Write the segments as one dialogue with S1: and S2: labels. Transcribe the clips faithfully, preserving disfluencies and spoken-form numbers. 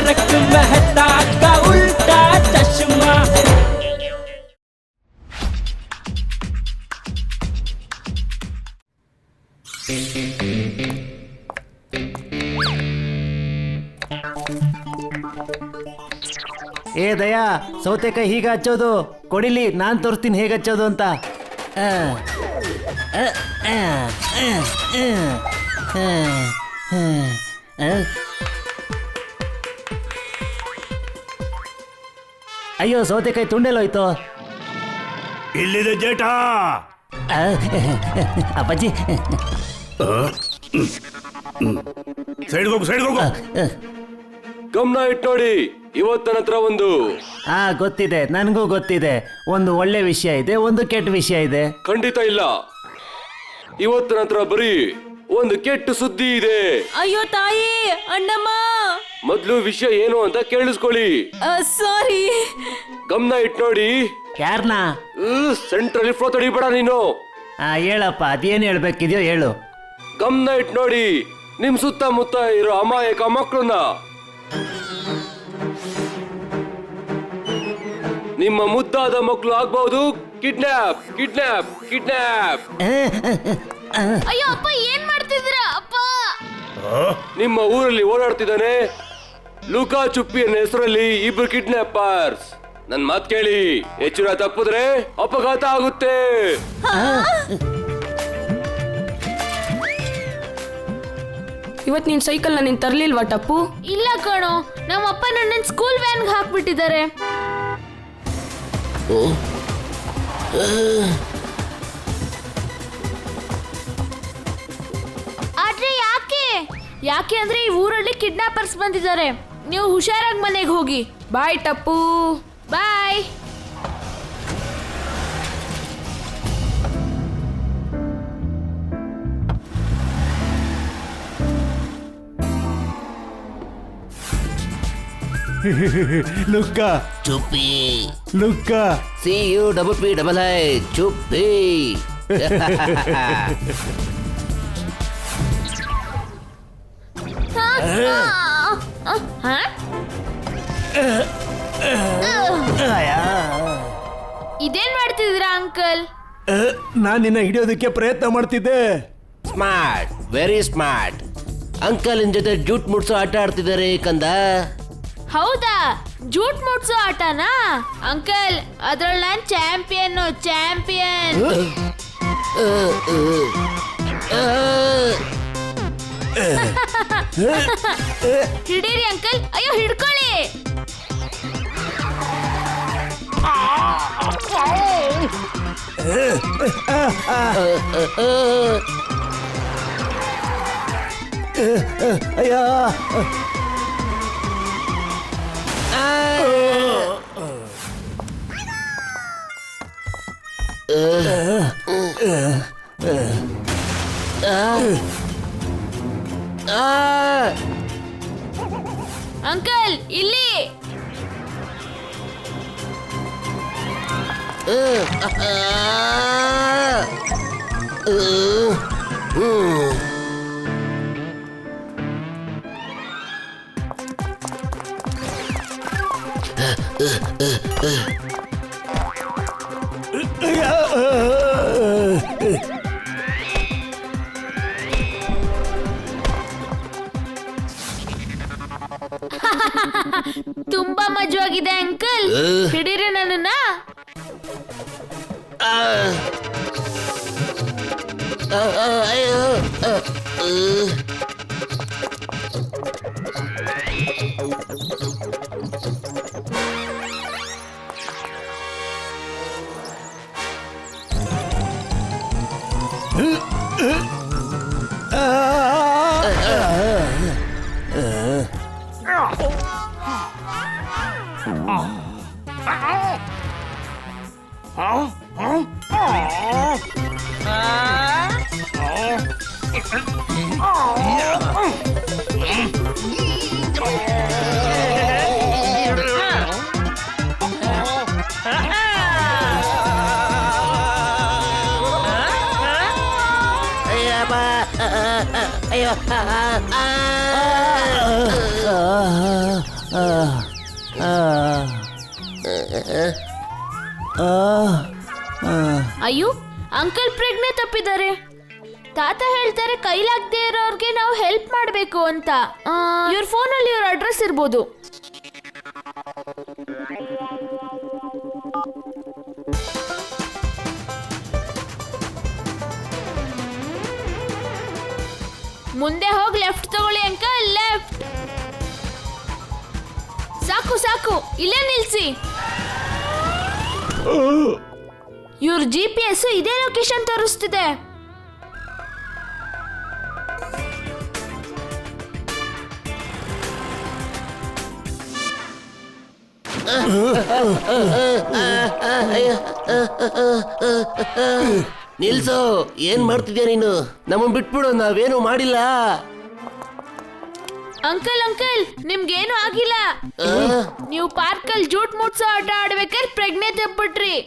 S1: तारक मेहता का उल्टा चश्मा।
S2: ಏ ದಯಾ, ಸೌತೆಕಾಯಿ ಹೀಗೆ ಹಚ್ಚೋದು ಕೊಡಿಲಿ, ನಾನು ತೋರಿಸ್ತೀನಿ ಹೇಗೆ ಹಚ್ಚೋದು ಅಂತ. ಅಯ್ಯೋ, ಸೌತೆಕಾಯಿ ತುಂಡೆಲ್ಲೋಯ್ತು.
S3: ಇಲ್ಲಿದೆ ಜೇಠ.
S2: ಅಪ್ಪಾಜಿ,
S3: ಸೈಡ್ ಹೋಗು, ಸೈಡ್ ಹೋಗು.
S4: ಗಮನ ಇಟ್ಟು ನೋಡಿ, ಇವತ್ತು ನನ್ನ ಹತ್ರ ಒಂದು
S2: ಹಾ ಗೊತ್ತಿದೆ, ನನಗೂ ಗೊತ್ತಿದೆ. ಒಂದು ಒಳ್ಳೆ ವಿಷಯ ಇದೆ, ಒಂದು ಕೆಟ್ಟ ವಿಷಯ ಇದೆ.
S4: ಖಂಡಿತ ಇಲ್ಲ, ಇವತ್ತು ನನ್ನ ಹತ್ರ ಬರೀ ಒಂದು ಕೆಟ್ಟ ಸುದ್ದಿ ಇದೆ.
S5: ಅಯ್ಯೋ ತಾಯಿ, ಅಣ್ಣಮ್ಮ.
S4: ಮೊದ್ಲು ವಿಷಯ ಏನು ಅಂತ ಕೇಳಿಸ್ಕೊಳ್ಳಿ.
S5: ಸಾರಿ.
S4: ಗಮನ ಇಟ್ಟು ನೋಡಿ.
S2: ಯಾರನ್ನ?
S4: ಸೆಂಟ್ರಲ್ಲಿ ಫ್ಲೋ ತಡಿಬೇಡ ನೀನು.
S2: ಹಾ ಹೇಳಪ್ಪ, ಅದೇನು ಹೇಳ್ಬೇಕಿದ್ಯೋ ಹೇಳು.
S4: ಗಮನ ಇಟ್ಟು ನೋಡಿ, ನಿಮ್ ಸುತ್ತಮುತ್ತ ಇರೋ ಅಮಾಯಕ ಮಕ್ಕಳನ್ನ, ನಿಮ್ಮ ಮುದ್ದಾದ ಮಕ್ಕಳು ಆಗ್ಬಹುದು. Kidnap kidnap kidnap.
S5: ಅಯ್ಯೋ ಅಪ್ಪ, ಏನ್ ಮಾಡ್ತಿದ್ದೀರಾ ಅಪ್ಪ?
S4: ನಿಮ್ಮ ಊರಲ್ಲಿ ಓಡಾಡ್ತಿದ್ದಾನೆ ಲುಕಾ ಚುಪ್ಪಿ ಅನ್ನೋ ಹೆಸರಲ್ಲಿ ಇಬ್ರು ಕಿಡ್ನಾಪರ್ಸ್. ನನ್ ಮಾತ್ ಕೇಳಿ, ಎಚ್ಚರ ತಪ್ಪಿದ್ರೆ ಅಪಘಾತ ಆಗುತ್ತೆ.
S5: ಇವತ್ ನೀನ್ ಸೈಕಲ್ ನೀನ್ ತರ್ಲಿಲ್ವಾ ಟಪ್ಪು? ಇಲ್ಲ ಕಣೋ, ನಮ್ಮಪ್ಪ ನನ್ನ ಸ್ಕೂಲ್ ವ್ಯಾನ್ಗೆ ಹಾಕ್ಬಿಟ್ಟಿದ್ದಾರೆ. ಆದ್ರೆ ಯಾಕೆ? ಯಾಕೆ ಅಂದ್ರೆ ಈ ಊರಲ್ಲಿ ಕಿಡ್ನಾಪರ್ಸ್ ಬಂದಿದ್ದಾರೆ. ನೀವು ಹುಷಾರಾಗಿ ಮನೆಗೆ ಹೋಗಿ. Bye Tapu, bye.
S2: ಲುಕ್ಕಾ
S6: ಚುಪ್ಪಿ.
S2: ಲುಕ್ಕಾ
S6: C U double P double I ಚುಪ್ಪಿ.
S5: ಇದೇನ್ ಮಾಡ್ತಿದ್ದೀರಾ ಅಂಕಲ್?
S2: ನಾನು ನಿನ್ನ ಹಿಡಿಯೋದಕ್ಕೆ ಪ್ರಯತ್ನ ಮಾಡ್ತಿದ್ದೆ.
S6: Smart, very smart. ಅಂಕಲ್ ನಿನ್ ಜೊತೆ ಜೂಟ್ ಮುಡ್ಸೋ ಆಟ ಆಡ್ತಿದ್ದಾರೆ ಕಂದ.
S5: ಹೌದಾ? ಜೂಟ್ ಮುಟ್ಸೋ ಆಟನಾ ಅಂಕಲ್? ಅದ್ರಲ್ಲಿ ನಾನ್ ಚಾಂಪಿಯನ್ ಚಾಂಪಿಯನ್. ಹಿಡೀರಿ ಅಂಕಲ್. ಅಯ್ಯೋ ಹಿಡ್ಕೊಳ್ಳಿ.
S2: ಅಯ್ಯೋ,
S5: ಅಂಕಲ್ ಇಲ್ಲಿ. ತುಂಬಾ ಮಜವಾಗಿದೆ ಅಂಕಲ್. ಹಿಡೀರಿ ನನ್ನನ್ನ.
S2: ಅಯ್ಯೋ,
S5: ಅಯ್ಯೋ ಅಂಕಲ್ ಪ್ರಜ್ಞೆ ತಪ್ಪಿದ್ದಾರೆ. ತಾತ ಹೇಳ್ತಾರೆ ಕೈಲಾಗದೆ ಇರೋರ್ಗೆ ನಾವು ಹೆಲ್ಪ್ ಮಾಡಬೇಕು ಅಂತ. ಇವ್ರ ಫೋನಲ್ಲಿ ಇವ್ರ ಅಡ್ರೆಸ್ ಇರ್ಬೋದು. ಮುಂದೆ ಹೋಗಿ ಲೆಫ್ಟ್ ತಗೊಳ್ಳಿ ಅಂಕಲ್, ಲೆಫ್ಟ್. ಸಾಕು ಸಾಕು, ಇಲ್ಲೇ ನಿಲ್ಸಿ. ಇವ್ರ ಜಿ ಪಿ ಎಸ್ ಇದೇ ಲೊಕೇಶನ್ ತೋರಿಸ್ತಿದೆ.
S6: ನಿಲ್ಸು, ಏನ್ ಮಾಡ್ತಿದ್ಯಾ ನೀನು? ನಮ್ಮನ್ ಬಿಟ್ಬಿಡು, ನಾವೇನು ಮಾಡಿಲ್ಲ.
S5: ಅಂಕಲ್ ಅಂಕಲ್ ನಿಮ್ಗೇನು ಆಗಿಲ್ಲ. ನೀವು ಪಾರ್ಕಲ್ಲಿ ಜೂಟ್ ಮುಟ್ಸೋ ಆಟ ಆಡ್ಬೇಕಾದ್ರೆ ಪ್ರಜ್ಞೆ ತಪ್ಪಿಟ್ರಿ.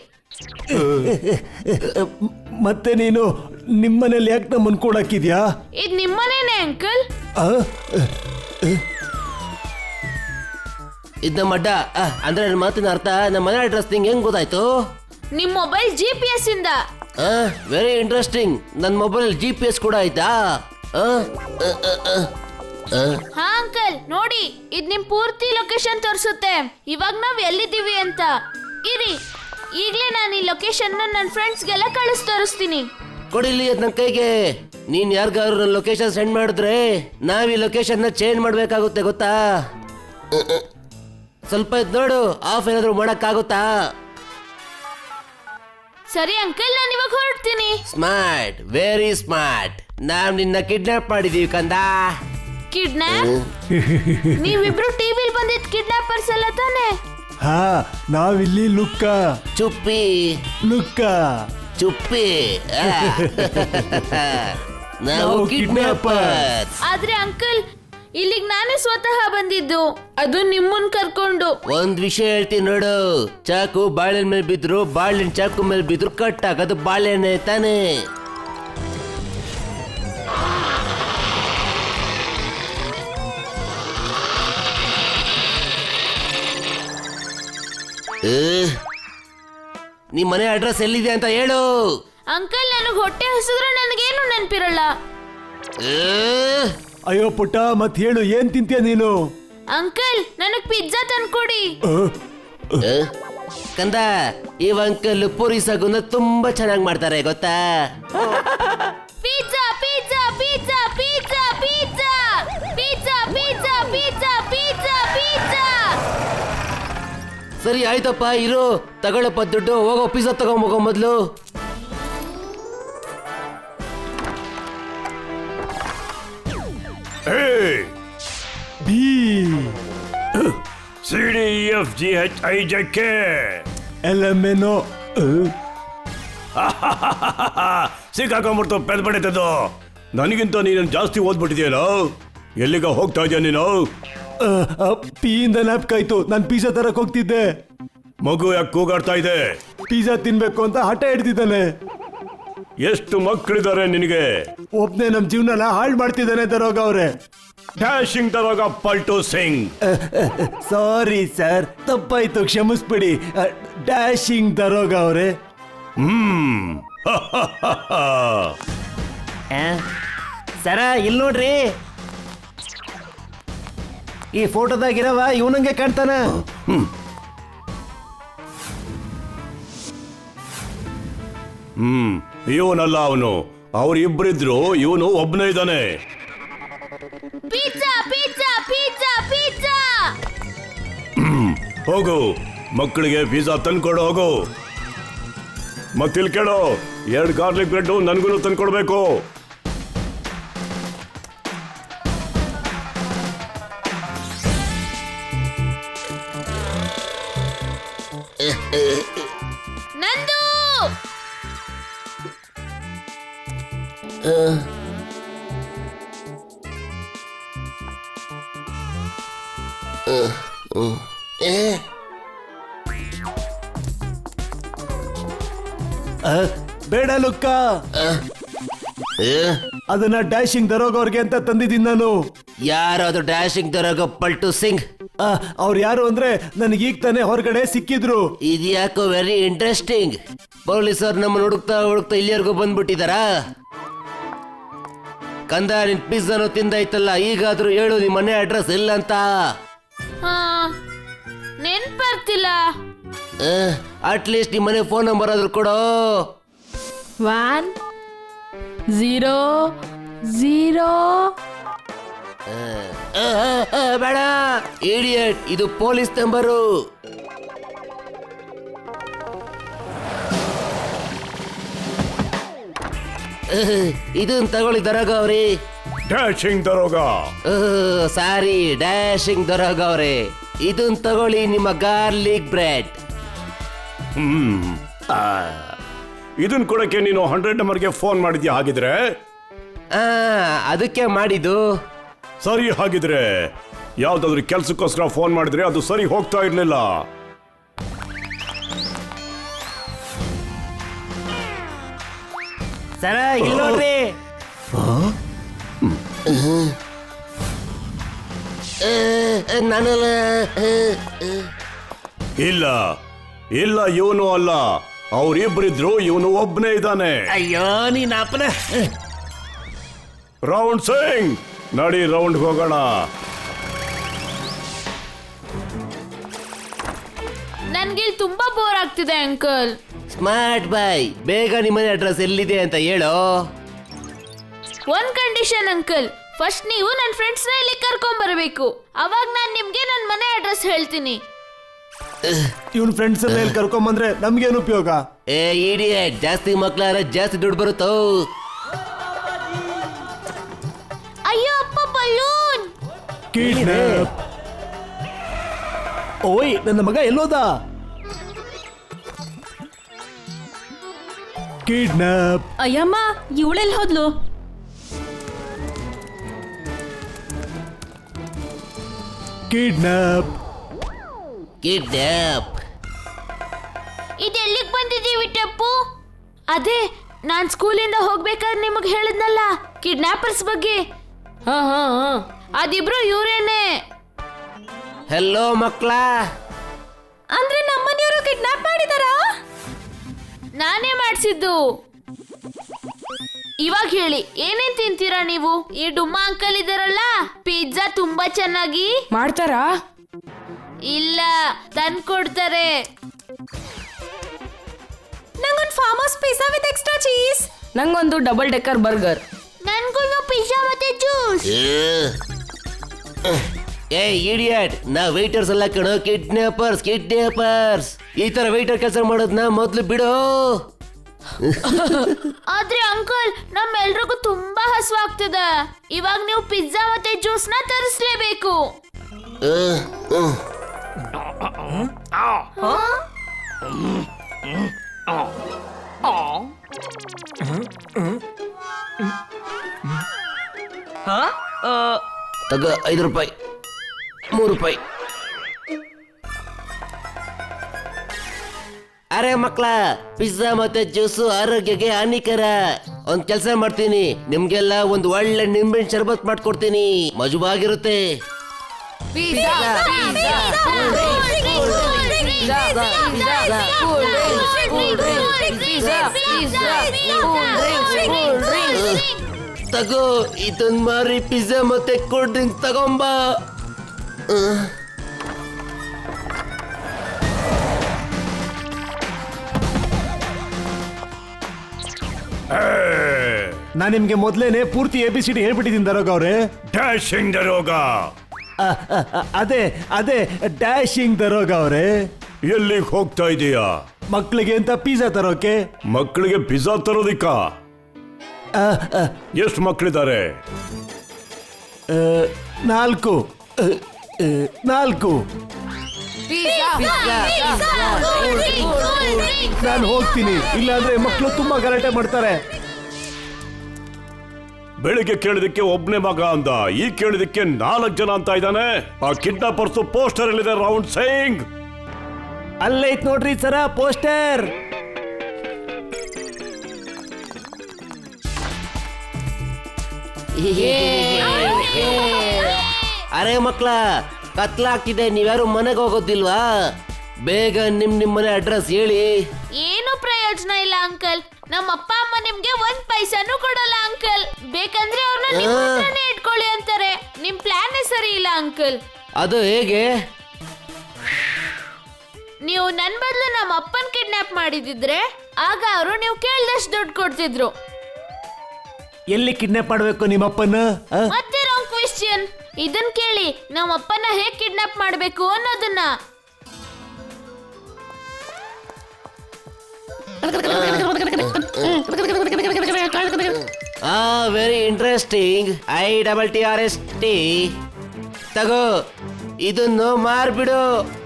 S2: ಮತ್ತೆ ನೀನು ನಿಮ್ಮನೇಲಿ ಯಾಕೆ ನಮ್ಮನ್ ಕೊಡಾಕಿದ್ಯಾ?
S5: ಇದ್ ನಿಮ್ಮನೇನೆ ಅಂಕಲ್.
S6: ಇದ್ ನಮ್ಮ ಅಡ್ಡ. ಆ, ಅಂದ್ರೆ ನನ್ನ ಮಾತಿನ ಅರ್ಥ ನಮ್ಮ ಮನೆ ಅಡ್ರೆಸ್ ನಿಂಗೆ ಹೆಂಗ್ ಗೊತ್ತಾಯ್ತು?
S5: ನಿಮ್ ಮೊಬೈಲ್ ಜಿ ಪಿ ಎಸ್ ಇಂದ.
S6: Very interesting. ನನ್ನ ಮೊಬೈಲ್ ಜಿ ಪಿ ಎಸ್ ಕೂಡ ಆಯ್ತಾ?
S5: ಹಾ ಅಂಕಲ್ ನೋಡಿ, ಇದ್ ನಿಮ್ ಪೂರ್ತಿ ಲೊಕೇಶನ್ ತೋರಿಸುತ್ತೆ. ಇವಾಗ ನಾವ್ ಎಲ್ಲಿದ್ದೀವಿ ಅಂತ. ಇರಿ, ಈಗ್ಲೇ ನಾನು ಈ ಲೊಕೇಶನ್ ನನ್ನ ಫ್ರೆಂಡ್ಸ್ಗೆಲ್ಲ ಕಳಿಸ್ ತೋರಿಸ್ತೀನಿ.
S6: ಕೊಡಿಲಿ ಅದ್ ನನ್ನ ಕೈಗೆ. ನೀನ್ ಯಾರಿಗಾದ್ರು ನನ್ನ ಲೊಕೇಶನ್ ಸೆಂಡ್ ಮಾಡಿದ್ರೆ ನಾವ್ ಈ ಲೊಕೇಶನ್ ನ ಚೇಂಜ್ ಮಾಡ್ಬೇಕಾಗುತ್ತೆ, ಗೊತ್ತಾ? ಸ್ವಲ್ಪ ಇದ್ ನೋಡು, ಆಫ್ ಏನಾದ್ರು ಮಾಡಕ್ಕಾಗುತ್ತಾ?
S5: ಸರಿ ಅಂಕಲ್, ನಾನು ಇವಾಗ ಹೊರಡ್ತೀನಿ.
S6: Smart, very smart. ನಾವ್ ನಿನ್ನ ಕಿಡ್ನಾಪ್ ಮಾಡಿದೀವಿ ಕಂದ.
S5: ಕಿಡ್ನಾಪ್? ನೀವಿಬ್ರು ಟಿವಿಲ್ ಬಂದಿದ್ ಕಿಡ್ನಾಪರ್ಸ್ ಅಲ್ಲ ತಾನೆ?
S2: ಹಾ, ನಾವಿಲ್ಲಿ ಲುಕ್ಕ
S6: ಚುಪ್ಪಿ
S2: ಲುಕ್ಕ
S6: ಚುಪ್ಪಿ. ನಾವು ಕಿಡ್ನಾಪರ್.
S5: ಆದ್ರೆ ಅಂಕಲ್, ಇಲ್ಲಿಗ್ ನಾನೇ ಸ್ವತಃ ಬಂದಿದ್ದು, ಅದು ನಿಮ್ಮನ್ ಕರ್ಕೊಂಡು.
S6: ಒಂದ್ ವಿಷಯ ಹೇಳ್ತೀನಿ ನೋಡು, ಚಾಕು ಬಾಳೆಹಣ್ಣು ಮೇಲೆ ಬಿದ್ರು, ಬಾಳೆಹಣ್ಣು ಚಾಕು ಮೇಲೆ ಬಿದ್ರು ಕಟ್ ಆಗೋದು ಬಾಳೆಹಣ್ಣೆ ತಾನೆ. ನಿಮ್ ಮನೆ ಅಡ್ರೆಸ್ ಎಲ್ಲಿದೆ ಅಂತ ಹೇಳು.
S5: ಅಂಕಲ್, ನನಗ್ ಹೊಟ್ಟೆ ಹಸಿದ್ರೆ ನನಗೇನು ನೆನ್ಪಿರಲ್ಲ.
S2: ಅಯ್ಯೋ ಪುಟ್ಟ, ಮತ್ ಹೇಳು, ಏನ್ ತಿಂತೀಯ ನೀನು?
S5: ಅಂಕಲ್, ನನಗ್ ಪಿಜ್ಜಾ ತಂದ್ಕೊಡಿ.
S6: ಕಂದ, ಈ ಅಂಕಲ್ ಪೂರಿ ಸಾಗುನ ತುಂಬಾ ಚೆನ್ನಾಗಿ ಮಾಡ್ತಾರೆ, ಗೊತ್ತಾ?
S5: Pizza pizza pizza pizza pizza pizza pizza pizza pizza pizza.
S6: ಸರಿ ಆಯ್ತಪ್ಪ, ಇರು, ತಗೊಳಪ್ಪ ದುಡ್ಡು. ಹೋಗೋ, ಪಿಜ್ಜಾ ತಗೊಂಬೋಗೋ ಮೊದ್ಲು.
S3: Hey!
S2: B
S3: C D E F G H I J K.
S2: L M N O.
S3: ಸಿಕ್ಕಾಕೊಂಡ್ಬಿಡ್ತು, ಪೆದ್ ಬಡಿತದ್ದು. ನನಗಿಂತ ನೀನು ಜಾಸ್ತಿ ಓದ್ಬಿಟ್ಟಿದೆಯಲ್ಲ. ಎಲ್ಲಿಗ ಹೋಗ್ತಾ ಇದೆಯಾ ನೀನು?
S2: ಪಿ ಇಂದ ಜ್ಞಾಪಕಾಯ್ತು, ನಾನು ಪಿಜ್ಜಾ ತರಕ್ ಹೋಗ್ತಿದ್ದೆ.
S3: ಮಗು ಯಾಕೆ ಕೂಗಾಡ್ತಾ ಇದೆ?
S2: ಪಿಜ್ಜಾ ತಿನ್ಬೇಕು ಅಂತ ಹಠ ಹಿಡ್ದಿದ್ದಾನೆ.
S3: ಎಷ್ಟು ಮಕ್ಕಳಿದ್ದಾರೆ ನಿನಗೆ?
S2: ಒಬ್ನೇ ನಮ್ ಜೀವನ ಹಾಳು ಮಾಡ್ತಿದ್ದಾನೆ ದರೋಗ ಅವ್ರೆ.
S3: ಡ್ಯಾಶಿಂಗ್ ದರೋಗ ಪಲ್ಟು ಸಿಂಗ್.
S2: ಸಾರಿ ಸರ್, ತಪ್ಪಾಯ್ತು, ಕ್ಷಮಿಸ್ಬಿಡಿ. ಡ್ಯಾಶಿಂಗ್ ದರೋಗ ಅವ್ರೆ.
S3: ಹ್ಮ್
S2: ಸರ, ಇಲ್ಲಿ ನೋಡ್ರಿ, ಈ ಫೋಟೋದಾಗಿರವ ಇವನಂಗೆ ಕಾಣ್ತಾನ.
S3: ಹ್ಮ್ ಇವನಲ್ಲ ಅವನು, ಅವ್ರಿಬ್ರಿದ್ರು, ಇವನು ಒಬ್ನೇ ಇದ್ದಾನೆ.
S5: Pizza pizza pizza pizza.
S3: ಹೋಗು, ಮಕ್ಕಳಿಗೆ ಪಿಜ್ಜಾ ತಂದ್ಕೊಡು, ಹೋಗು. ಮತ್ತಿಲ್ ಕೇಳೋ, ಎರಡು ಗಾರ್ಲಿಕ್ ಬ್ರೆಡ್ ನನ್ಗೂ ತಂದ್ಕೊಡ್ಬೇಕು.
S5: ನಂದು.
S2: ಬೇಡ ಲುಕ್ಕ, ಅದನ್ನ ಡ್ಯಾಶಿಂಗ್ ದರೋಗ ಅವ್ರಿಗೆ ಅಂತ ತಂದಿದ್ದೀನಿ ನಾನು.
S6: ಯಾರು ಅದು ಡ್ಯಾಶಿಂಗ್ ದರೋಗ ಪಲ್ಟು ಸಿಂಗ್?
S2: ಅವ್ರು ಯಾರು ಅಂದ್ರೆ ನನಗೀಗ ತಾನೇ ಹೊರಗಡೆ ಸಿಕ್ಕಿದ್ರು.
S6: ಇದ್ಯಾಕೋ ವೆರಿ ಇಂಟ್ರೆಸ್ಟಿಂಗ್. ಪೊಲೀಸರು ನಮ್ಮ ಹುಡುಕ್ತಾ ಹುಡುಕ್ತಾ ಇಲ್ಲಿವರೆಗೂ ಬಂದ್ಬಿಟ್ಟಿದಾರಾ? ಕಂದ ನಿನ್ ಪಿಜ್ಜಾನು ತಿಂದಾಯ್ತಲ್ಲ, ಈಗಾದ್ರೂ ಹೇಳು ನಿಮ್ಮ ಮನೆ ಅಡ್ರೆಸ್ ಇಲ್ಲ ಅಂತ.
S5: ಹಾ ನೆನ್ಪರ್ತಿಲ್ಲ.
S6: ಅಟ್ಲೀಸ್ಟ್ ನಿಮ್ಮ ಮನೆ ಫೋನ್ ನಂಬರ್ ಆದ್ರೂ ಕೊಡೋ.
S5: One zero zero.
S6: ಬೇಡ ಇಡಿಯಟ್, ಇದು ಪೊಲೀಸ್ ನಂಬರು. ಇದನ್ ತಗೊಳ್ಳಿ ದರೋಗ ಅವ್ರಿ.
S3: ಡ್ಯಾಶಿಂಗ್ ದರೋಗ.
S6: ಸಾರಿ, ಡ್ಯಾಶಿಂಗ್ ದರೋಗ ಅವ್ರೆ. ಇದನ್ ತಗೊಳ್ಳಿ ನಿಮ್ಮ ಗಾರ್ಲಿಕ್ ಬ್ರೆಡ್.
S3: ಹ್ಮ್ ಇದನ್ ಕೊಡಕ್ಕೆ ನೀನು ಹಂಡ್ರೆಡ್ ನಂಬರ್ಗೆ ಫೋನ್ ಮಾಡಿದ್ಯಾ? ಹಾಗಿದ್ರೆ
S6: ಆ ಅದಕ್ಕೆ ಮಾಡಿದ್ದು.
S3: ಸರಿ, ಹಾಗಿದ್ರೆ ಯಾವ್ದಾದ್ರು ಕೆಲ್ಸಕ್ಕೋಸ್ಕರ ಫೋನ್ ಮಾಡಿದ್ರೆ ಅದು ಸರಿ ಹೋಗ್ತಾ ಇರ್ಲಿಲ್ಲ.
S2: ಸರ ಇಲ್ಲಿ ನೋಡ್ರಿ.
S6: ನಾನಲ್ಲ.
S3: ಇಲ್ಲ ಇಲ್ಲ, ಇವನು ಅಲ್ಲ, ಅವ್ರಿಬ್ರಿದ್ರು, ಇವನು ಒಬ್ನೇ ಇದ್ದಾನೆ.
S2: ಅಯ್ಯೋ ನೀನ್ ಅಪ್ಪನ.
S3: ರೌಂಡ್ ಸಿಂಗ್, ನಡಿ ರೌಂಡ್ ಹೋಗೋಣ.
S5: ನನ್ಗೆ ಇಲ್ಲಿ ತುಂಬಾ ಬೋರ್ ಆಗ್ತಿದೆ ಅಂಕಲ್.
S6: ಸ್ಮಾರ್ಟ್ ಬಾಯ್, ಬೇಗ ನಿಮ್ಮನೆ ಅಡ್ರೆಸ್ ಎಲ್ಲಿದೆ ಅಂತ ಹೇಳೋ.
S5: ಒಂದ್ ಕಂಡೀಷನ್ ಅಂಕಲ್, ಫಸ್ಟ್ ನೀವು ನನ್ನ ಫ್ರೆಂಡ್ಸ್ನ ಇಲ್ಲಿ ಕರ್ಕೊಂಡ್ ಬರಬೇಕು. ಅವಾಗ ನಾನು ನಿಮ್ಗೆ ನನ್ನ ಮನೆ ಅಡ್ರೆಸ್ ಹೇಳ್ತೀನಿ.
S2: ಇವನ್ ಫ್ರೆಂಡ್ಸ್ ಎಲ್ಲ ಇಲ್ಲಿ ಕರ್ಕೊಂಬಂದ್ರೆ ನಮ್ಗೇನು ಉಪಯೋಗ?
S6: ಏ ಇಡಿಯಟ್, ಜಾಸ್ತಿ ಮಕ್ಳಾರ ಜಾಸ್ತಿ ದುಡ್ಡು ಬರುತ್ತೋ.
S5: ಅಯ್ಯೋ ಅಪ್ಪ, ಬಲೂನ್.
S2: ಕಿಡ್ನಾಪ್. ಓಯ್, ನನ್ನ ಮಗ ಎಲ್ಲೋದ? ಕಿಡ್ನಾಪ್.
S7: ಅಯ್ಯಮ್ಮ, ಇವಳೆಲ್ಲಿ ಹೋದ್ಲು?
S2: ಕಿಡ್ನಾಪ್.
S6: ಕಿಡ್ನಾಪ್.
S5: ಇದೆಲ್ಲಿಗೆ ಬಂದಿದ್ದೀವಿ ಟಪ್ಪು? ಅದೇ ನಾನ್ ಸ್ಕೂಲಿಂದ ಹೋಗ್ಬೇಕಾದ್ರೆ ನಿಮಗೆ ಹೇಳಿದ್ನಲ್ಲ ಕಿಡ್ನಾಪರ್ಸ್ ಬಗ್ಗೆ. ಹಾ ಹಾ ಹಾ ಅದಿಬ್ರು ಇವ್ರೇನೆ.
S6: ಹೆಲೋ ಮಕ್ಳ.
S7: ಅಂದ್ರೆ ನಮ್ಮನೆಯವರು ಕಿಡ್ನಾಪ್ ಮಾಡಿದಾರಾ?
S5: ನಾನೇ ಮಾಡಿಸಿದ್ದು. ಇವಾಗ ಹೇಳಿ, ಏನೇನ್ ತಿಂತೀರಾ ನೀವು? ಈ ಡುಮ್ಮ ಅಂಕಲ್ ಇದಾರಲ್ಲ, ಪಿಜ್ಜಾ ತುಂಬಾ ಚೆನ್ನಾಗಿ
S7: ಮಾಡ್ತಾರಾ?
S5: ಇಲ್ಲ, ತಂದ್ಕೊಡ್ತಾರೆ.
S7: ನಂಗೊಂದು farm house pizza with extra cheese. ನಂಗೊಂದು ಡಬಲ್ ಡೆಕ್ಕರ್ ಬರ್ಗರ್.
S5: ನನ್ಗೂ ಪಿಜ್ಜಾ ಮತ್ತೆ ಜ್ಯೂಸ್.
S6: ಏ ಇಡಿಯಟ್, ನಾ ವೇಟರ್ಸ್ ಅಲ್ಲ ಕಣೋ, ಕಿಡ್ನಾಪರ್ಸ್ ಕಿಡ್ನಾಪರ್ಸ್. ಈ ತರ ವೇಟರ್ ಕೆಲಸ ಮಾಡೋದ್ನ ಮೊದ್ಲು ಬಿಡು.
S5: ಆದ್ರೆ ಅಂಕಲ್, ನಮ್ಮೆಲ್ರಿಗೂ ತುಂಬಾ ಹಸುವಾಗ್ತದೆ. ಇವಾಗ ನೀವು ಪಿಜ್ಜಾ ಮತ್ತೆ ಜ್ಯೂಸ್ ನ ತರಿಸ್ಲೇಬೇಕು.
S6: ತಗ ಐದು ರೂಪಾಯಿ, ಮೂರು ರೂಪಾಯಿ. ಅರೆ ಮಕ್ಳ, ಪಿಜ್ಜಾ ಮತ್ತೆ ಜ್ಯೂಸು ಆರೋಗ್ಯಕ್ಕೆ ಹಾನಿಕರ. ಒಂದ್ ಕೆಲಸ ಮಾಡ್ತೀನಿ, ನಿಮ್ಗೆಲ್ಲ ಒಂದ್ ಒಳ್ಳೆ ನಿಂಬೆಹಣ್ಣು ಶರ್ಬತ್ ಮಾಡ್ಕೊಡ್ತೀನಿ, ಮಜವಾಗಿರುತ್ತೆ. ತಗೋ, ಇದನ್ ಮಾರಿ ಪಿಜ್ಜಾ ಮತ್ತೆ ಕೂಲ್ ಡ್ರಿಂಕ್ಸ್ ತಗೊಂಬ.
S2: ನಾನ್ ನಿಮ್ಗೆ ಮೊದ್ಲೇನೆ ಪೂರ್ತಿ ಎ ಬಿ ಸಿ ಡಿ ಹೇಳ್ಬಿಟ್ಟಿದ್ದೀನಿ ದರೋಗ ಅವ್ರೆ.
S3: ಡ್ಯಾಶಿಂಗ್ ದರೋಗ.
S2: ಅ, ಅ, ಅ, ಅದೇ ಅದೇ ಡ್ಯಾಶಿಂಗ್ ದರೋಗ ಅವ್ರೆ.
S3: ಎಲ್ಲಿಗೆ ಹೋಗ್ತಾ ಇದೀಯಾ?
S2: ಮಕ್ಳಿಗೆ ಅಂತ ಪಿಜ್ಜಾ ತರೋಕೆ.
S3: ಮಕ್ಕಳಿಗೆ ಪಿಜ್ಜಾ ತರೋದಿಕ್ಕ?
S2: ಅ, ಅ,
S3: ಎಷ್ಟು ಮಕ್ಕಳಿದ್ದಾರೆ?
S2: ಅ, ನಾಲ್ಕು ಅ, ಅ, ನಾಲ್ಕು. ನಾನು ಹೋಗ್ತೀನಿ, ಇಲ್ಲಾಂದ್ರೆ ಮಕ್ಕಳು ತುಂಬಾ ಗಲಾಟೆ ಮಾಡ್ತಾರೆ.
S3: ಬೆಳಿಗ್ಗೆ ಕೇಳಿದಕ್ಕೆ ಒಬ್ನೇ ಮಗ ಅಂದ, ಈ ಕೇಳಿದಕ್ಕೆ ನಾಲ್ಕು ಜನ ಅಂತ ಇದ್ದಾನೆ. ಆ ಕಿಡ್ನಾಪರ್ಸ್ ಪೋಸ್ಟರ್ ಎಲ್ಲಿದೆ ರೌಂಡ್ ಸಿಂಗ್?
S2: ಅಲ್ಲೈತ್ ನೋಡ್ರಿ ಸರ ಪೋಸ್ಟರ್.
S6: ಅರೆ ಮಕ್ಳ, ಕತ್ಲಾಗ್ತಿದೆ, ನೀವ್ಯಾರು ಮನೆಗೆ ಹೋಗೋದಿಲ್ವಾ? ಬೇಗ ನಿಮ್ ನಿಮ್ ಮನೆ ಅಡ್ರೆಸ್ ಹೇಳಿ.
S5: ಏನು ಪ್ರಯೋಜನ ಇಲ್ಲ ಅಂಕಲ್. ನಮ್ಮ ಅಪ್ಪ ಅಮ್ಮ ನಿಮ್ಗೆ ಒಂದ್ ಪೈಸಾನು ಕೊಡಲ್ಲ ಅಂಕಲ್. ಬೇಕಂದ್ರೆ ಅವ್ರನ್ನ ನಿಮ್ಮ ಹತ್ರನೇ ಇಟ್ಕೊಳ್ಳಿ ಅಂತಾರೆ. ನಿಮ್ ಪ್ಲಾನ್ ಸರಿ ಇಲ್ಲ ಅಂಕಲ್.
S6: ಅದು ಹೇಗೆ?
S5: ನೀವು ನನ್ ಬದಲು ನಮ್ಮ ಅಪ್ಪನ್ ಕಿಡ್ನಾಪ್ ಮಾಡಿದಿದ್ರೆ ಆಗ ಅವರು ನೀವು ಕೇಳ್ದಷ್ಟು ದುಡ್ಡು ಕೊಡ್ತಿದ್ರು.
S2: ಎಲ್ಲಿ ಕಿಡ್ನಾಪ್ ಮಾಡ್ಬೇಕು ನಿಮ್ಮಪ್ಪನ? ಆ?
S5: ಮತ್ತೆ ರಾಂಗ್ ಕ್ವೆಶ್ಚನ್. ಇದನ್ ಕೇಳಿ, ನಮ್ಮ ಅಪ್ಪನ ಹೇಗ್ ಕಿಡ್ನಾಪ್ ಮಾಡ್ಬೇಕು ಅನ್ನೋದನ್ನ.
S6: ಆ very interesting. I double T R S T ತಗೋ, ಇದನ್ನು ಮಾರ್ಬಿಡು.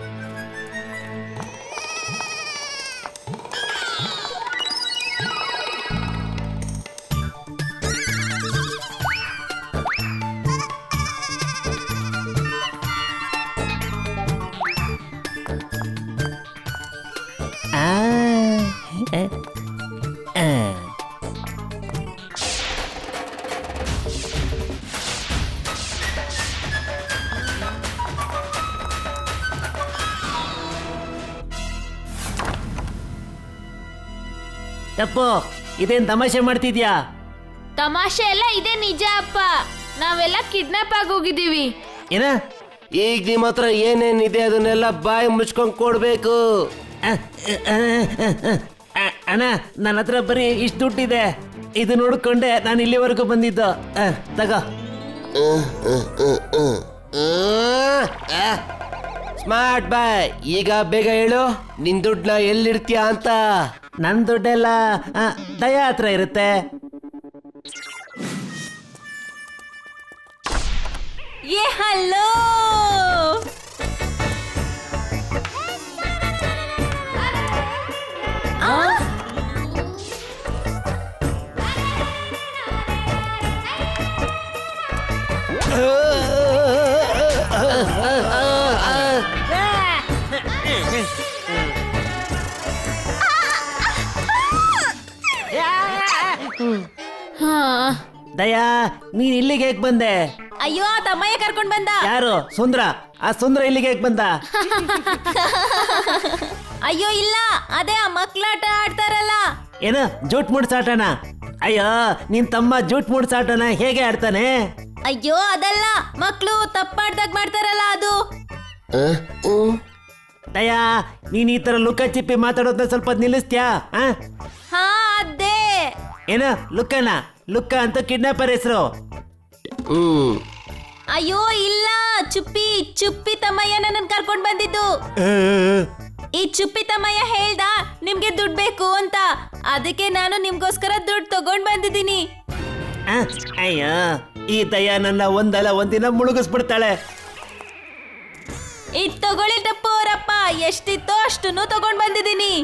S2: ಆ, ಆ, ಆ. ತಪ್ಪು, ಇದೇನ್ ತಮಾಷೆ ಮಾಡ್ತಿದ್ಯಾ?
S5: ತಮಾಷೆ ಎಲ್ಲ ಇದೇ ನಿಜ ಅಪ್ಪ. ನಾವೆಲ್ಲ ಕಿಡ್ನಾಪ್ ಆಗೋಗಿದ್ದೀವಿ.
S2: ಏನ?
S6: ಈಗ ನಿಮ್ಮ ಹತ್ರ ಏನೇನಿದೆ ಅದನ್ನೆಲ್ಲ ಬಾಯಿ ಮುಚ್ಕೊಂಡ್ ಕೊಡ್ಬೇಕು.
S2: ಆ, ಆ, ಆ, ಆ, ಅಣ್ಣ, ನನ್ನ ಹತ್ರ ಬರೀ ಇಷ್ಟು ದುಡ್ಡಿದೆ. ಇದು ನೋಡ್ಕೊಂಡೆ ನಾನು ಇಲ್ಲಿವರೆಗೂ ಬಂದಿದ್ದು. ಆ, ತಗೋ.
S6: ಸ್ಮಾರ್ಟ್ ಬಾಯ್, ಈಗ ಬೇಗ ಹೇಳು, ನಿನ್ ದುಡ್ಡನ್ನ ಎಲ್ಲಿಡ್ತೀಯ ಅಂತ.
S2: ನನ್ನ ದುಡ್ಡೆಲ್ಲ ಆ, ದಯಾ ಹತ್ರ ಇರುತ್ತೆ.
S7: ಏ ಹಲೋ,
S5: ಹಾ,
S2: ದಯಾ, ನೀನ್ ಇಲ್ಲಿಗೆ ಹೇಗ್ ಬಂದೆ?
S7: ಅಯ್ಯೋ ಆ ತಮ್ಮಯ್ಯ ಕರ್ಕೊಂಡ್ ಬಂದ.
S2: ಯಾರು? ಸುಂದ್ರ? ಆ ಸುಂದ್ರ ಇಲ್ಲಿಗೆ ಹೇಗ್ ಬಂದ?
S7: ಅಯ್ಯೋ ಇಲ್ಲ, ಅದೇ ಆ ಮಕ್ಳಾಟ ಆಡ್ತಾರಲ್ಲ.
S2: ಏನ ಜೂಟ್ ಮುಡ್ಸಾಟನ? ಅಯ್ಯೋ, ನಿನ್ ತಮ್ಮ ಜೂಟ್ ಮುಡ್ಸಾಟನ ಹೇಗೆ ಆಡ್ತಾನೆ?
S7: ಅಯ್ಯೋ ಅದಲ್ಲ, ಮಕ್ಳು ತಪ್ಪಾಡ್ದಾಗ ಮಾಡ್ತಾರಲ್ಲ ಅದು.
S2: ದಯಾ, ನೀನ್ ಈ ತರ ಲುಕ್ಕ ಚಿಪ್ಪಿ ಮಾತಾಡೋದನ್ನ ಸ್ವಲ್ಪ ನಿಲ್ಲಿಸ್ತ್ಯಾ? ಆ?
S7: ಹಾ ಅದೇ.
S2: ಏನ ಲುಕ್ಕನ? ಲುಕ್ಕ ಅಂತ ಕಿಡ್ನಾಪರ್ ಹೆಸರು.
S6: ಹ್ಮ್
S7: ಅಯ್ಯೋ ಇಲ್ಲ, ಚುಪ್ಪಿ ಚುಪ್ಪಿ ತಮ್ಮಯ್ಯ ನನ್ನ ಕರ್ಕೊಂಡ್ ಬಂದಿದ್ದು. ಈ ಚುಪ್ಪಿ ತಮ್ಮಯ್ಯ ಹೇಳ್ದ ನಿಮ್ಗೆ ದುಡ್ಡು ಬೇಕು ಅಂತ, ಅದಕ್ಕೆ ನಾನು ನಿಮ್ಗೋಸ್ಕರ ದುಡ್ಡು ತಗೊಂಡ್ ಬಂದಿದ್ದೀನಿ.
S2: ಆ? ಅಯ್ಯೋ, ಈ ದಯಾ ನನ್ನ ಒಂದಲ್ಲ ಒಂದಿನ ಮುಳುಗಿಸ್ಬಿಡ್ತಾಳೆ.
S7: ಇದ್ ತಗೊಳ್ಳಿ ಟಪ್ಪು ಅವರಪ್ಪ, ಎಷ್ಟಿತ್ತೋ ಅಷ್ಟನ್ನು ತಗೊಂಡ್ ಬಂದಿದ್ದೀನಿ.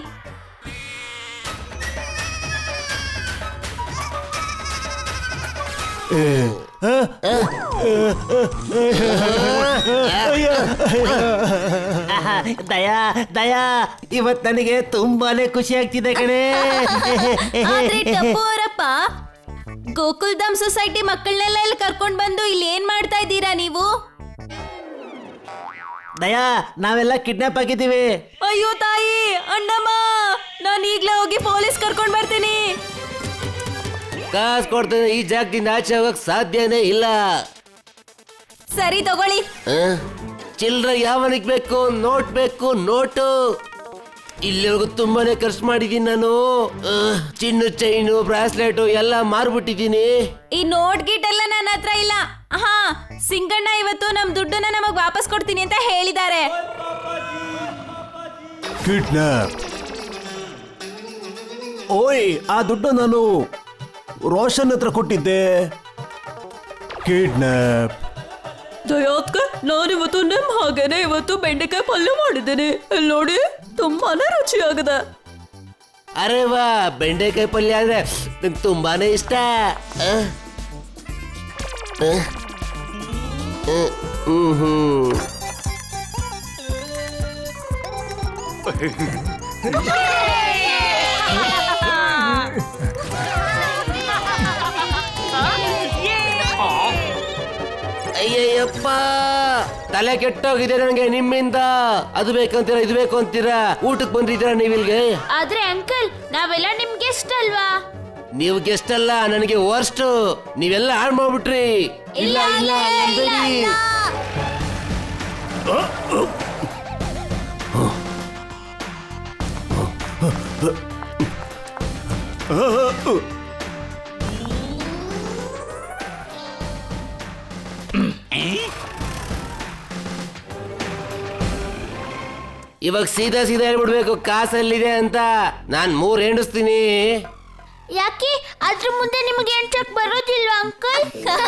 S2: ಆಹಾ, ದಯಾ ದಯಾ, ಇವತ್ ನನಗೆ ತುಂಬಾನೇ ಖುಷಿ ಆಗ್ತಿದೆ ಕಣೆ.
S7: ಆದ್ರೆ ಟಪ್ಪು ಅವರಪ್ಪ, ಗೋಕುಲ್ ಧಾಮ್ ಸೊಸೈಟಿ ಮಕ್ಕಳನ್ನೆಲ್ಲ ಇಲ್ಲಿ ಕರ್ಕೊಂಡ್ ಬಂದು ಇಲ್ಲಿ ಏನ್ ಮಾಡ್ತಾ ಇದ್ದೀರಾ ನೀವು?
S2: ದಯಾ, ನಾವೆಲ್ಲ ಕಿಡ್ನಾಪ್ ಆಗಿದ್ದೀವಿ.
S7: ಅಯ್ಯೋ ತಾಯಿ, ಅಣ್ಣಮ್ಮ, ನಾನು ಈಗ್ಲೇ ಹೋಗಿ ಪೊಲೀಸ್ ಕರ್ಕೊಂಡ್ ಬರ್ತೀನಿ.
S6: ಕಾಸು ಕೊಡ್ತೇನೆ, ಈ ಜಾಗದಿಂದ ಆಚೆ ಹೋಗಕ್ ಸಾಧ್ಯನೇ ಇಲ್ಲ.
S7: ಸರಿ ತಗೊಳ್ಳಿ.
S6: ಚಿಲ್ಡ್ರ ಯಾವನಿಗೆ ಬೇಕು? ನೋಟ್ ಬೇಕು, ನೋಟು. ಇಲ್ಲಿವರೆಗೂ ತುಂಬಾನೇ ಖರ್ಚು ಮಾಡಿದೀನಿ ನಾನು. ಅಹ್, ಚಿನ್ನು ಚೈನು ಬ್ರಾಸ್ಲೆಟ್ ಎಲ್ಲ ಮಾರ್ಬಿಟ್ಟಿದೀನಿ.
S7: ಈ ನೋಟ್ ಗೀಟ್ ಎಲ್ಲ ನನ್ನ ಹತ್ರ ಇಲ್ಲ. ಹಾ, ಸಿಂಗಣ್ಣ ಇವತ್ತು ನಮ್ ದುಡ್ಡನ್ನ ನಮಗ್ ವಾಪಸ್ ಕೊಡ್ತೀನಿ ಅಂತ ಹೇಳಿದ್ದಾರೆ.
S2: ಕಿಡ್ನಾಪ್? ಓಯ್, ಆ ದುಡ್ಡು ನಾನು ರೋಷನ್ ಹತ್ರ ಕೊಟ್ಟಿದ್ದೆ. ಕಿಡ್ನಾಪ್?
S7: ದಯಾತ್ಕ, ನಾನಿವತ್ತು ನಿಮ್ ಹಾಗೇನೆ ಇವತ್ತು ಬೆಂಡೆಕಾಯಿ ಪಲ್ಯ ಮಾಡಿದ್ದೇನೆ. ಇಲ್ಲಿ ನೋಡಿ, ತುಂಬಾನೇ ರುಚಿಯಾಗಿದೆ.
S6: ಅರೆ ವಾ, ಬೆಂಡೆಕಾಯಿ ಪಲ್ಯ ಅಂದ್ರೆ ನಂಗೆ ತುಂಬಾನೇ ಇಷ್ಟ. ಅಹ್. ಅಹ್. ಅಹ್. ಹ್ಮ್ ಹ್ಮ್ ಅಯ್ಯಯ್ಯಪ್ಪ, ತಲೆ ಕೆಟ್ಟೋಗಿದೆ ನನಗೆ ನಿಮ್ಮಿಂದ. ಅದು ಬೇಕಂತೀರಾ ಇದು ಬೇಕು ಅಂತೀರಾ. ಊಟಕ್ಕೆ ಬಂದಿದ್ದೀರಾ ನೀವಿಲ್ಗೆ?
S5: ಆದ್ರೆ ಅಂಕಲ್ ನಾವೆಲ್ಲ ನಿಮ್ ಗೆಸ್ಟ್ ಅಲ್ವಾ?
S6: ನೀವು ಗೆಸ್ಟ್ ಅಲ್ಲ, ನನಗೆ ವರ್ಸ್ಟ್. ನೀವೆಲ್ಲ ಹಾಳು ಮಾಡ್ಬಿಟ್ರಿ. ಇಲ್ಲ ಇಲ್ಲ ಅನ್ಬೇಡಿ. ಇವಾಗ ಸೀದಾ ಸೀದಾ ಹೇಳ್ಬಿಡ್ಬೇಕು ಕಾಸಲ್ಲಿದೆ ಅಂತ. ನಾನ್ ಮೂರ್ ಹೆಂಡಿಸ್ತೀನಿ.
S5: ಯಾಕೆ ಅದ್ರ ಮುಂದೆ ನಿಮಗೆ ಎಂಟಕ್ ಬರೋದಿಲ್ವಾ ಅಂಕಲ್?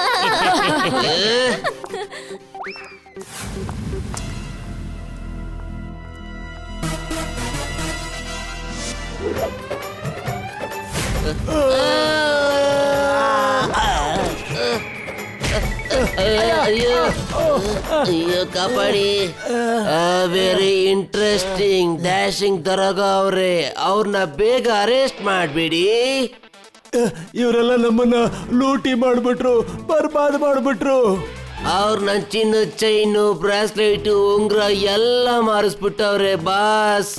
S6: ಅಯ್ಯೋ ಅಯ್ಯೋ ಕಾಪಾಡಿ. ವೆರಿ ಇಂಟ್ರೆಸ್ಟಿಂಗ್ ಡ್ಯಾಶಿಂಗ್ ದರೋಗ ಅವ್ರೆ, ಅವ್ರನ್ನ ಬೇಗ ಅರೆಸ್ಟ್ ಮಾಡ್ಬಿಡಿ.
S2: ಇವರೆಲ್ಲ ನಮ್ಮನ್ನ ಲೂಟಿ ಮಾಡ್ಬಿಟ್ರು, ಬರ್ಬಾದ್ ಮಾಡ್ಬಿಟ್ರು.
S6: ಅವ್ರ ನನ್ ಚಿನ್ನ ಚೈನು ಬ್ರಾಸ್ಲೆಟ್ ಉಂಗ್ರ ಎಲ್ಲ ಮಾರಿಸ್ಬಿಟ್ಟವ್ರೆ ಬಾಸ್.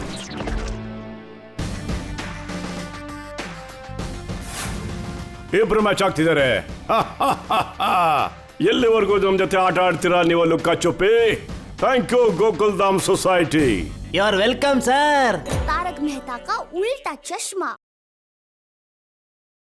S3: ಇಬ್ರು ಮ್ಯಾಚ್ ಆಗ್ತಿದ್ದಾರೆ. ಎಲ್ಲಿವರೆಗೂ ನಮ್ ಜೊತೆ ಆಟ ಆಡ್ತೀರಾ ನೀವು ಲುಕ್ಕಾ ಚುಪ್ಪಿ? Thank you Gokuldham society.
S2: You are welcome sir.
S8: Taarak Mehta Ka Ooltah चश्मा।